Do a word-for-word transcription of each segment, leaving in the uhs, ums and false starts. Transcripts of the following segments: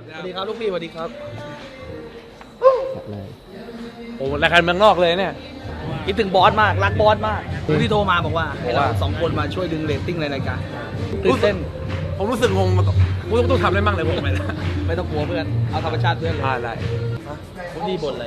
สวัสดีครับลูกพี่สวัสดีครับโอ้รายการเมืองนอกเลยเนี่ยคิดถึงบอสมากรักบอสมากที่โทรมาบอกว่าให้เราสองคนมาช่วยดึงเรตติ้งในรายการตื่นเต้นผมรู้สึกงงมาก่อนกูต้องทำอะไรบ้างเลยผมไปนะไม่ต้องกลัวเพื่อนเอาธรรมชาติเพื่อนเลยอ่าได้ผมดีบทเลย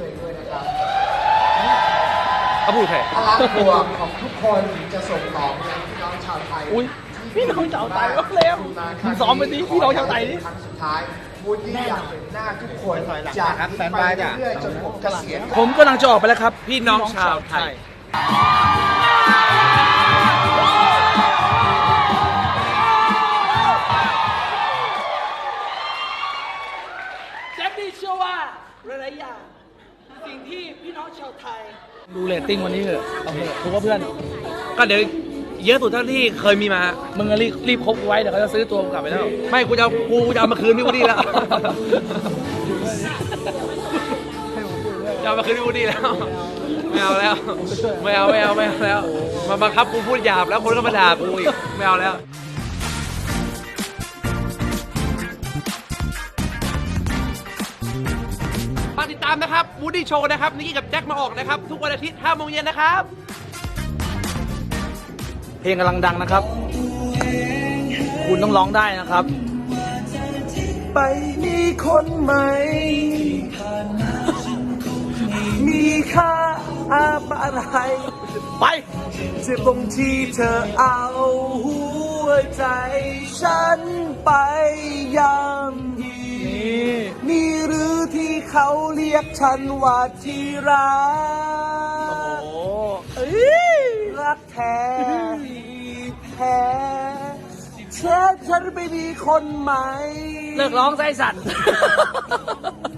เขาพูดแค่พลังบวกของทุกคนจะส่งต่อไปยังพี่น้องชาวไทยอุ้ยพี่น้องชาวไทยก็เร็วมึงซ้อมไปดิพี่น้องชาวไทยดิครั้งสุดท้ายวูดดี้อยากเห็นหน้าทุกคนจากนี้ไปเรื่อยๆจนผมเกษียณผมกำลังจะออกไปแล้วครับพี่น้องชาวไทยแจ็คดี้เชื่อว่าหลายๆอย่างสิ่งที่พี่น้องชาวไทยดูเรตติ้งวันนี้เถอะเอาเถอะถูกว่าเพื่อนก็เดี๋ยวเยอะสุดเท่าที่เคยมีมามึงอะรีบรีบคบกูไว้เดี๋ยวเขาจะซื้อตัวกูกลับไปแล้วไม่กูจะเอากูจะเอามาคืนพี่วูดดี้แล้วจะเอามาคืนพี่วูดดี้แล้วไม่เอาแล้วไม่เอาไม่เอาไม่เอาแล้วมาบังคับกูพูดหยาบแล้วคนก็มาด่ากูอีกไม่เอาแล้วฝากติดตามนะครับวูดดี้โชว์นะครับนิกกี้กับแจ็คมาออกนะครับทุกวันอาทิตย์ห้าโมงเย็นนะครับเพลงกำลังดังนะครับ คุณต้องร้องได้นะครับไปมีคนใหม่ มีค่าอะไรไปเจ็บตรงที่เธอเอาหัวใจฉันไปยำยีมีหรือที่เขาเรียกฉันว่าที่รักโอ้รักแท้แท้เช็ดฉันไปมีคนใหม่เลิกร้องไส้สัตว์